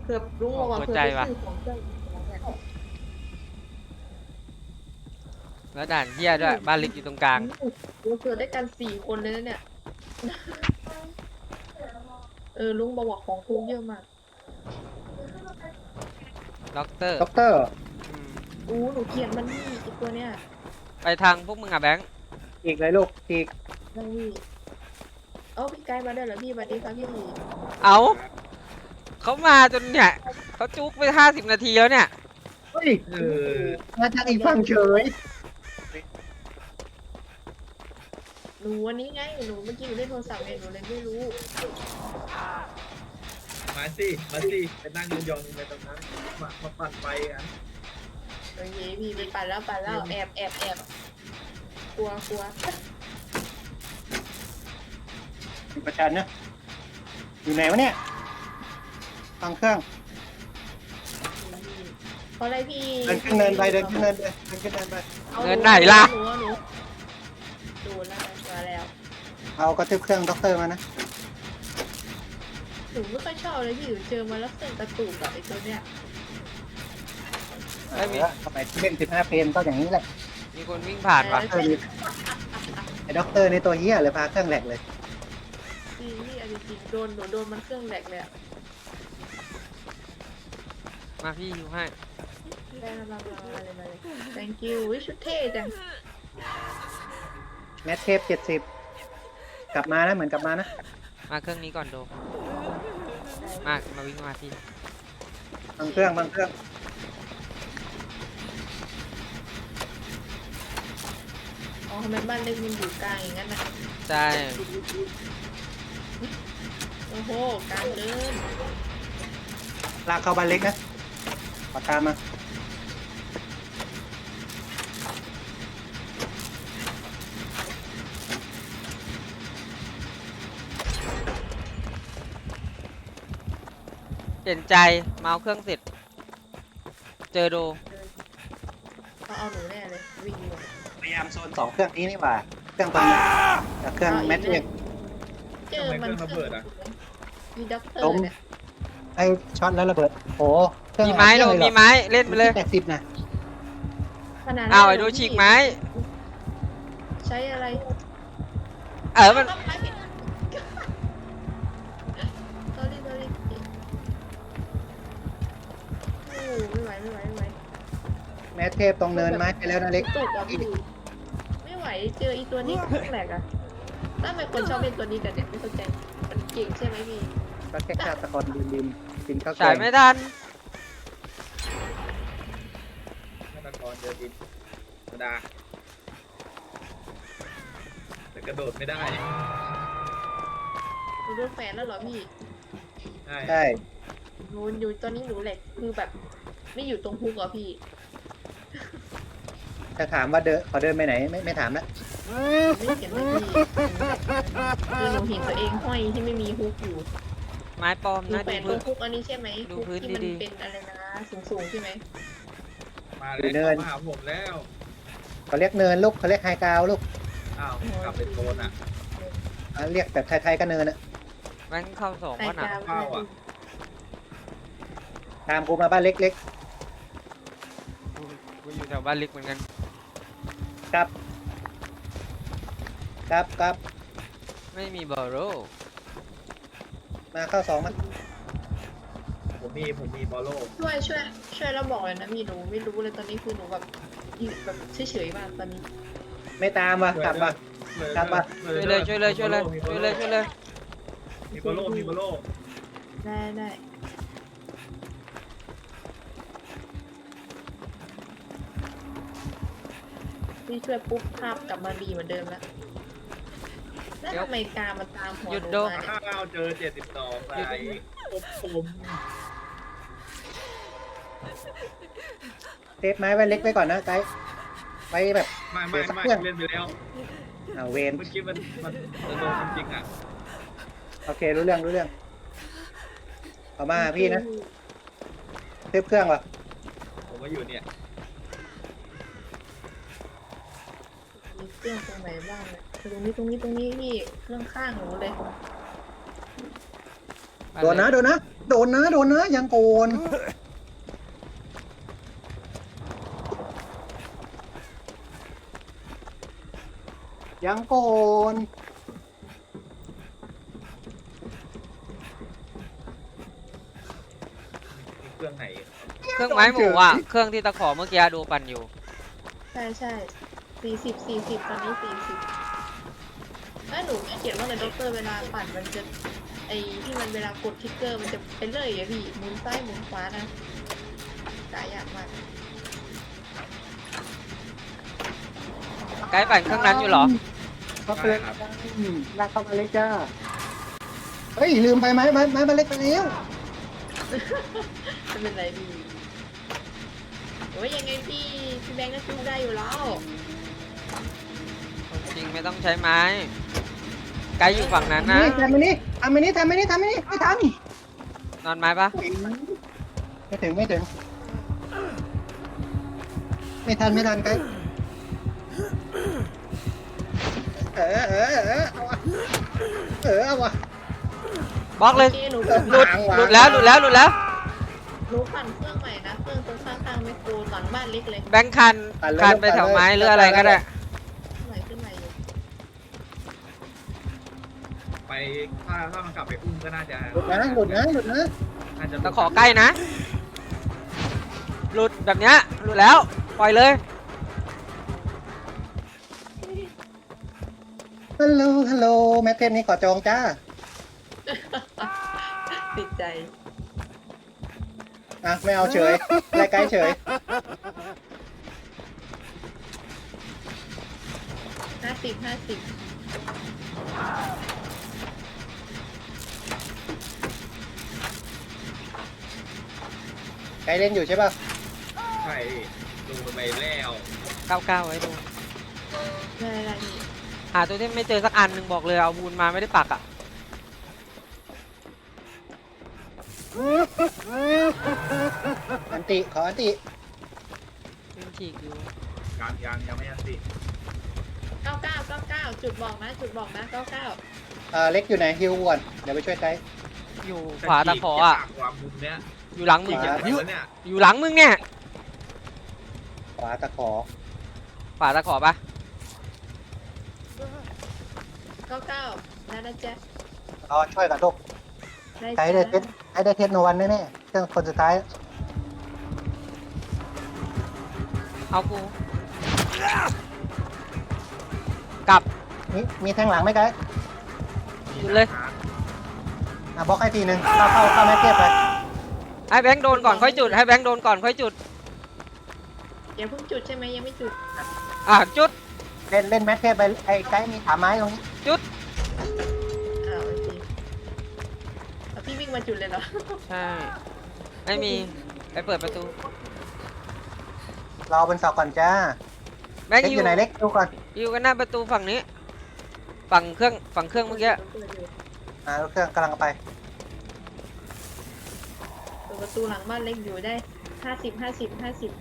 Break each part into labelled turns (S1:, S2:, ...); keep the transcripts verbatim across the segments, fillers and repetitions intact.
S1: ผื่อลุงบอกว่า
S2: หัว
S1: เผื่อ
S2: ใจ
S1: ไป
S2: ว่ะ
S1: ซื้อของเจ้าเนี่ย
S2: แล้วด่านเฮียด้วยบ้านเล็กอยู่ตรงกลาง
S1: เราเกิดได้กันสี่คนเลยนะเนี่ย เออลุงบอกว่าของคุงเยอะมาก
S2: ด็อกเตอร์
S3: ด็อกเตอร์
S2: อืม
S1: อู้หนูเกลียดมันนี่ไอตัวเนี้ย
S2: ไปทางพวกมึงอะแบงค์
S3: อีกเลยลูกอีก
S1: นั่งพี่เอ้าพี่ไกด์มาได้เหรอพี่สวัสดีครับพี่
S2: เอาเขามาจนเนี่ยเขาจุกไปห้าสิบนาทีแล้วเนี่ย
S3: เฮ้ย
S4: เออ
S3: มาจากอีกฝั่งเฉย
S1: หนูวันนี้ไงหนูเมื่อกี้หนูเล่นโทรศัพท์ไงหนูเลยไม่รู้
S4: มาสิมาสิไปนั่งยองๆไปตรงนั้นมามาปั่นไฟกัน
S1: โอเคพี่ไปปั่นแล้วปั่นแล้วแอบแอบแอบกลัวกลัว
S3: อยู่ประชันนะอยู่ไหนวะเนี่ยฟังเครื่อง
S1: เพราะอะไรพี่
S3: เดินขึ้นเนินไปเดินขึ้นเนินไปเดินขึ้นเนินไป
S1: อา
S2: เงินไหนล่ะ
S1: หนูหนูดูแล้วมาแล้ว
S3: เอากระทืบเครื่องด็อกเตอร์มานะ
S1: หนูไม่ค่อยชอบเลยพี่หนูเจอมาแล้วเครื่องกระตุกกับไอ้ตัวเนี้ย
S2: เอ้ยมี
S3: เออเข้าไปเล่นสิบห้าเพลงก็อย่างนี้แหละ
S2: มีคนวิ่งผ่านวะ
S3: เออมีไอ้ด็อกเตอร์ในตัวเหี้ยเลยพาเครื่องแหลกเลย
S1: จริงพี่เอาจริงๆโดนหนูโดนมันเครื่องแหลกเลยอะ
S2: มาพี่อยู่ให้
S1: ได้มามามาเลยมาเลย thank you วิชุดเท่จัง
S3: แมทเทปเจ็ดสิบกลับมานะเหมือนกลับมานะ
S2: มาเครื่องนี้ก่อนโดมามาวิ่งมาพี่
S3: บางเครื่องบางเครื่อง
S1: อ๋อทำไมบ้านเล็กมันอยู่กลางอย่างนั้นนะ
S2: ใช่
S1: โอ้โหกลางเดิน
S3: ลากเข้าบ้านเล็กนะปากกามา
S2: เปลี่ยนใจเมาส์เครื่องเสร็จ เจอโด
S1: เขาเอาหนูแน่เลยวิ่งอยู่
S3: พยายามโซนสองเครื่องนี้นี่หว่าเครื่องตรงนี้กับเครื่องแมทเทป
S1: เจอมันเครื่องมีด็อกเตอ
S3: ล้
S1: ร์
S3: ม
S1: เนี่ย
S3: ไอ้ช็อตแล้วระเบิดโอ้เครื่อง
S2: มีไม้โด
S3: หลายเค
S2: มี
S3: รื่องเลยเหรอ
S2: ไม้เล่นไปเลย
S3: แปดสิบนะ
S1: ขนาด
S2: อ้าวไอ้โดฉีกไม้
S1: ใช้อะไร
S2: เออมัน
S1: ไม้ผิด sorry sorry โอ้ไม่ไหวไม่ไหวไม่ไหว
S3: แมทเทปตรงเนินไม้ไปแล้วนะเล็ก
S1: ตุกอ่ะพี่ไม่ไหวเจออีตัวนี้เครื่องแหลกอ่ะถ้าเป็นคนชอบเล่นตัวนี้กันเนี่ยไม่เข้าใจมันเก่งใช่ไหมพี่
S3: ก็แค่ฆาตกรดินดินกินข้าวแก
S2: ฉาย
S3: ง
S2: ไม่ทัน
S4: ฆาตกรเจอดินธรรมดาแต่กระโดดไม่ได้
S1: หนูโดนแฟนแล้วเหรอพี่
S4: ใช่
S3: ใช่
S1: หนูอยู่ตอนนี้หนูแหลกคือแบบ ไม่อยู่ตรงฮุกเหรอพี่
S3: จะถามว่าเดินขอเดินไปไหนไม่ไม่ถามแล้ว
S1: ไม่เห็นเลยพี่คือหนูเห็นตัวเองห้อยที่ไม่มีฮุกอยู่
S2: ไม้ปลอม
S1: หนู
S2: นะ
S1: แขว
S2: ดู
S1: นตร
S2: พื้น
S1: งฮุกอันนี้ใช่ไหม
S2: ดู
S1: ฮุก
S2: พื้น
S1: ที่มัน
S2: ดีๆ
S1: เป็นอะไรนะสูงๆใช่ไหม
S4: มาเลยเข้ามาหาผมแล้ว
S3: เขาเรียกเนินลูกเขาเรียกไฮกราวลูก
S4: อ้าวกลับไปโซนอ่ะ
S3: อ่ะเรียกแบบไทยๆก็เนินอะ
S2: แบงค์เข้าสอง
S1: ใส่
S2: วะน่ะ
S1: กาว
S4: เข้าอะ
S3: ตามกูมาบ้านเล็ก
S2: กูกูอยู่แถวบ้านเล็กเหมือนกัน
S3: ๆครับครับครับ
S2: ไม่มีบอโร
S3: มาเข้าสองมา
S4: ผมมีผมมีบอลโล
S1: ช่วยช่วยช่วยแล้วบอกเลยนะมีหนูไม่รู้เลยตอนนี้คือหนูแบบอยู่แบบเฉยๆมากตอนนี้
S3: ไม่ตามว่ะกลับว่ะ กลับมา
S2: ช่วยเลยช่วยเลยช่วยเลยช่วยเลยช่วยเลย
S4: มีบอลโลมีบอลโล
S1: ได้ได้พี่ช่วยปุ๊บภาพกลับมาดีเหมือนเดิมแล้วแล้วทำไมกามันตามหัวหนูมาเนี่ย
S4: ข้าวเจอเจ็ดสิบสองไปอบผม
S3: เซฟไม้ไว้เล็กไว้ก่อนนะไกด์ไว้แบบ
S4: ไม่ไม่ไม่เล่นไปแล้ว
S3: เอาเวน
S4: เมื่อกี้มันมันมันโดนจริงอ่ะ
S3: โอเครู้เรื่องรู้เรื่องเอามาพี่นะเซฟเครื่องว่ะ
S4: ผมว่าอยู่เนี่ย
S1: มีเครื่องตรงไหนบ้างเนี่ยตรงนี้ตรงนี้ตรงนี้พี่เครื่องข้างหนูเลย
S2: ไป
S3: โดนนะโดนนะโดนนะโดนนะยังโกนยังโกน
S4: มีเครื่องไหน
S2: เครื่องไม้หมูอ่ะเครื่องที่ตะขอเมื่อกี้ดูปั่นอยู่
S1: ใช่ใช่สี่สิบสี่สิบตอนนี้สี่สิบถ้าหนูไม่เขียนว่าเลยด็อกเตอร์เวลาปั่นมันจะไอที่มันเวลากดทิกเกอร์มันจะเป็นเลยอะพี่หมุนซ้ายหมุนขวานะกายากมาก
S2: ไกด์ปั่นเครื่องนั้นอยู่เหรอ
S3: เขาเตือนลากเข้ามาเลยจ้าเฮ้ยลืมไปไหมไม้ไม้มาเล็กไปแล้ว
S1: ไม่เป็นไรพี่โอ้ยยังไงพี่พี่แบงค์ก็สู้ได้อยู่แล้ว
S2: จริงไม่ต้องใช้ไม้ ไกด์อยู่ฝั่งนั้นนะ
S3: นี่ทำไปนี่ทำไปนี่ทำไปนี่ทำไปนี่ไม่ทัน
S2: นอนไม้ปะ
S3: ไม่ถึงไม่ถึงไม่ทันไม่ทันไกด์เออเออเออเอาวะเออเอาวะ
S2: บล็อกเลย
S1: โอเคหนู
S2: หลุดหลุดแล้วหลุดแล้วหลุดแล้ว
S1: หนูปั่นเครื่องใหม่นะเครื่องตรงข้างๆไมโครหลังบ้านเล็กเลย
S2: แบงค์คันคันไปแถวไม้หรืออะไรก็ได้
S1: ใหม่ขึ้นใหม่อยู่
S4: ไปถ้าถ้ามันกลับไปอุ้มก็น่าจะ
S3: หลุดนะหลุดนะหลุดนะ
S4: น่าจะ
S2: ตะขอใกล้นะ หลุดแบบเนี้ยหลุดแล้วปล่อยเลย
S3: ฮัลโหลฮัลโหลแมทเทนนี่ขอจองจ้า
S1: ติดใจ
S3: อ่ะไม่เอาเฉยไล่ไกด์เฉย
S1: ห้าสิบห้าสิบ
S3: ไกด์เล่นอยู่ใช่ป่ะ
S4: ใช่ดูไปแล้ว
S2: เก้าเก้าไว้ดู
S1: ได้ได้นี่
S2: หาตัวที่ไม่เจอสักอันหนึ่งบอกเลยเอาบูนมาไม่ได้ปักอ่ะ
S3: อันติขออันติ
S2: วิ่งฉีกอยู่
S4: ยังยังยังไม่ยันสิ
S1: เก้าเก้าเก้าเก้าจุดบอกนะจุดบอกนะเก้าเก้า
S3: อ่าเล็กอยู่ไหนฮิวก่อนเดี๋ยวไปช่วยไกด์
S2: อยู่ขวาตะขออ่ะ
S4: ความมุมเนี้ย
S2: อยู่หลังมึง
S4: เก็บไหนวะเนี่ย
S2: อยู่หลังมึงเนี่ย
S3: ขวาตะขอ
S2: ขวาตะขอปะ
S1: เก้าเก้าได้นะจ๊ะ
S3: รอช่วยกันลูก
S1: ได้
S3: ไกด์ได้เทสไกด์ได้เทสโนวันแน่ๆเครื่องคนสุดท้าย
S2: เอากูกลับ
S3: มีมีแทงหลังไหมไกด์
S2: หยุดเลย
S3: อ่ะบล็อกให้ทีหนึ่งเข้าเข้าเข้าแมทเทสไป
S2: ให้แบงค์โดนก่อนค่อยจุดให้แบงค์โดนก่อนค่อยจุด
S1: อย่าเพิ่งจุดใช่ไหมยังไม่จุด
S2: อ่ะจุด
S3: เล่นเล่นแมทเทสไปไอ้ไกด์มีถามไม้ตรงนี้
S2: จุด
S1: อ้าวโอเคเอาพี่วิ่งมาจุดเลยเหรอ
S2: ใช่ไม่มีไปเปิดประตู
S3: รอบนเสาก่อนจ้า
S2: แบงค์
S3: เล็ก
S2: อ
S3: อยู่ ยู่ไหนเล็กดูก่อน
S2: อยู่กันหน้าประตูฝั่งนี้ ฝั่งเครื่องฝั่งเครื่องเมื่อกี้
S3: อ่าเครื่องกำลังไป
S1: เปิดประตูหลังบ้านเล็กอยู่ได้ห้าสิบห้าสิบห้าสิบ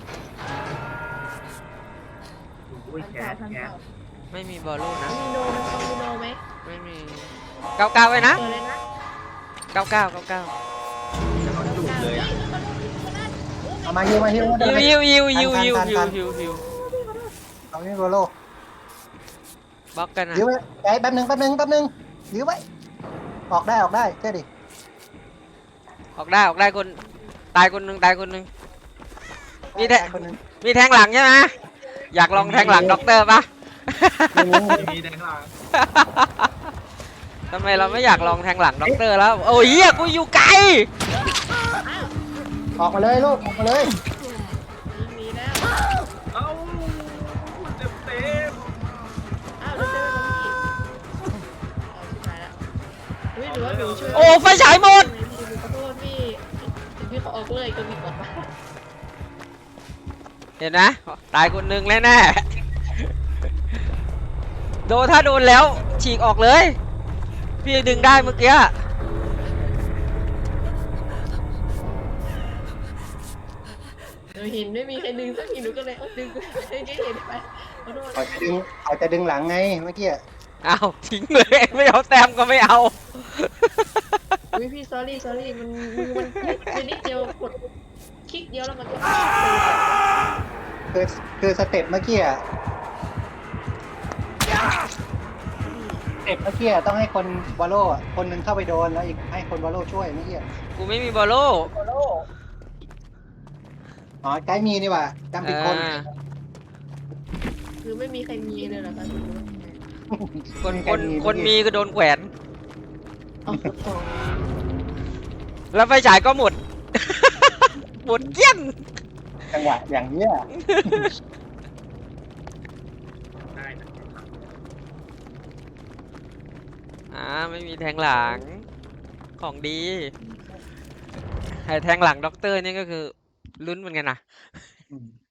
S4: อุ้ย
S1: พัน
S4: แข
S1: เก้าน พัน
S4: แขน
S1: เก้า
S2: ไม่มีบอลลูนนะ
S1: มีโดมันต้องมีโดไหม
S2: ไม่มีเก้าเก้าไว้นะ
S1: เปิดเลยนะ
S2: เก้าเก้าเก้าเก้า
S4: จะเขาจุดเลย
S1: เฮ้
S4: อ่ะ
S1: ยมันต้องมีคนนั้นโอ้
S3: เอามาฮิวมาฮิวมา
S2: ฮิวฮิวฮิวฮิว
S3: ทัน
S2: ฮิว
S3: ทัน
S2: ฮิว
S3: ทัน
S2: ฮิวฮิว
S3: เอานี่โรโล
S2: บล็อกกันนะ
S3: ยื้อไว้ไกด์แป๊บหนึงแป๊บหนึงแป๊บหนึงยื้อไว้ออกได้ออกได้เชื่อดิ
S2: ออกได้ออกได้คนตายคนหนึ่งตายคนหนึ่ง มีแท
S3: ได้คนหนึง
S2: มีแทงหลังใช่ไหมอยากลองแทงหลังด็อกเตอร์ปะ
S3: ไม่มีไม่มี
S4: มีแดงหลัง
S2: ทำไมเราไม่อยากลองแทงหลังด็อกเตอร์แล้ว โอ้ยเฮียกูอยู่ไกล
S3: ออกมาเลยลูกออกมาเลย
S1: มีมีแล้ว
S4: เอ้าเต็มเต็ม
S1: อ้าวเดี๋ยวเจอกันพี่เอาชิบหายแล้วเฮ้ยหรือว่าหนูช่วย
S2: โอ้ไฟฉายหมด
S1: พี่ขอโทษพี่ถึงพี่เขาออกเลยก็มีกดมา
S2: เห็นนะตายคนหนึ่งแน่แน่ๆโดนถ้าโดนแล้วฉีกออกเลย พี่ดึงได้เมื่อกี้
S1: หนูเห็นไม่มีใครดึงสักทีหนูก็เลยเอาดึงดึงให้เห็นไปขอโทษ
S3: เขาจะดึงเขาจะดึงหลังไงเมื่อกี้
S2: อ้าวทิ้งเลยไม่เอาแต้มก็ไม่เอา
S1: วิพี่ sorry sorry มันมือมันไปนิดเดียวกดคลิกเดียวแล้วมันก็
S3: คือคือสเต็ปเมื่อกี้อะสเต็ปเมื่อกี้อะต้องให้คนวอลโล่อะคนหนึงเข้าไปโดนแล้วอีกให้คนวอลโล่ช่วยเมื่อกี้อะ
S2: กูไม่มีบอลโล
S3: อ๋อไกด์มีนี่หว่าจำผิดคน
S2: อ่า
S1: คือไม่มีใครมีเลยเหรอคะ
S2: คนคนคนมีก็โดนแขวน
S1: เอาของ
S2: แล้วไฟฉายก็หมด หมดเกลี้ยง
S3: จังหวะอย่างเนี้ย
S4: ได้นะ
S2: อ่าไม่มีแทงหลังของดีไอ้แทงหลังด็อกเตอร์นี่ก็คือลุ้นเหมือนกันนะ
S3: อืม